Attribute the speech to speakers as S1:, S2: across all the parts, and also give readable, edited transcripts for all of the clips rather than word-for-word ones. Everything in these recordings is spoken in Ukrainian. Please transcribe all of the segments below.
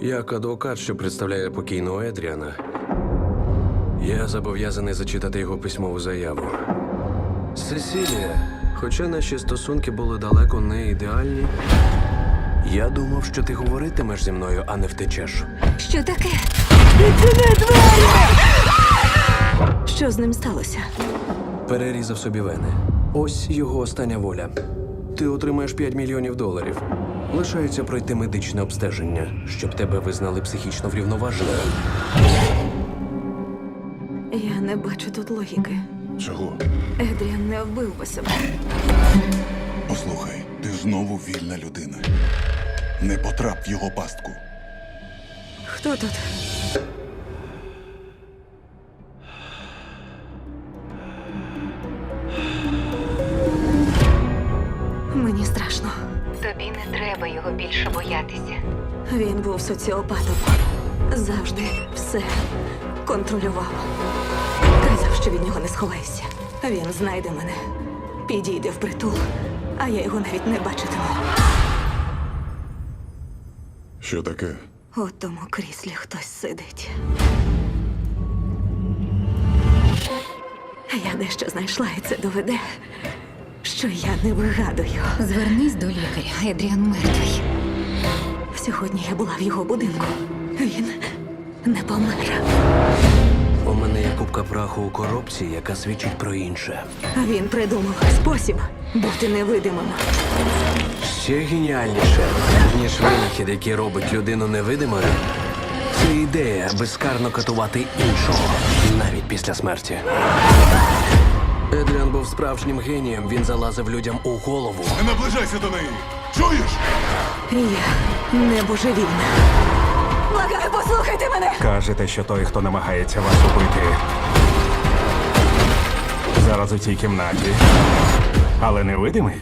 S1: Як адвокат, що представляє покійного Едріана, я зобов'язаний зачитати його письмову заяву. Сесілія, хоча наші стосунки були далеко не ідеальні, я думав, що ти говоритимеш зі мною, а не втечеш.
S2: Що таке? Відчини двері! Що з ним сталося?
S1: Перерізав собі вени. Ось його остання воля. Ти отримаєш $5 мільйонів. Лишається пройти медичне обстеження, щоб тебе визнали психічно врівноваженою.
S2: Я не бачу тут логіки.
S3: Чого?
S2: Едріан не вбив би себе.
S3: Послухай, ти знову вільна людина. Не потрап в його пастку.
S2: Хто тут? Мені страшно.
S4: Тобі не треба його більше боятися.
S2: Він був соціопатом. Завжди все контролював. Казав, що від нього не сховайся. Він знайде мене, підійде впритул, а я його навіть не бачитиму.
S3: Що таке?
S2: У тому кріслі хтось сидить. Я дещо знайшла, і це доведе, що я не вигадую.
S4: Звернись до лікаря. Едріан мертвий.
S2: Сьогодні я була в його будинку. Він не помер.
S1: У мене є купка праху у коробці, яка свідчить про інше.
S2: Він придумав спосіб бути невидимим.
S1: Ще геніальніше, ніж винахід, який робить людину невидимою, це ідея безкарно катувати іншого, навіть після смерті. Едріан був справжнім генієм, він залазив людям у голову.
S3: Не наближайся до неї! Чуєш?
S2: Я не божевільна. Благаю, послухайте мене!
S5: Кажете, що той, хто намагається вас убити, зараз у цій кімнаті, але невидимий?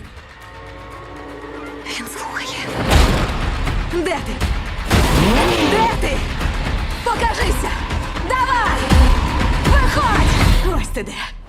S2: Він слухає. Де ти? Де ти? Покажися! Давай! Виходь! Ось ти де.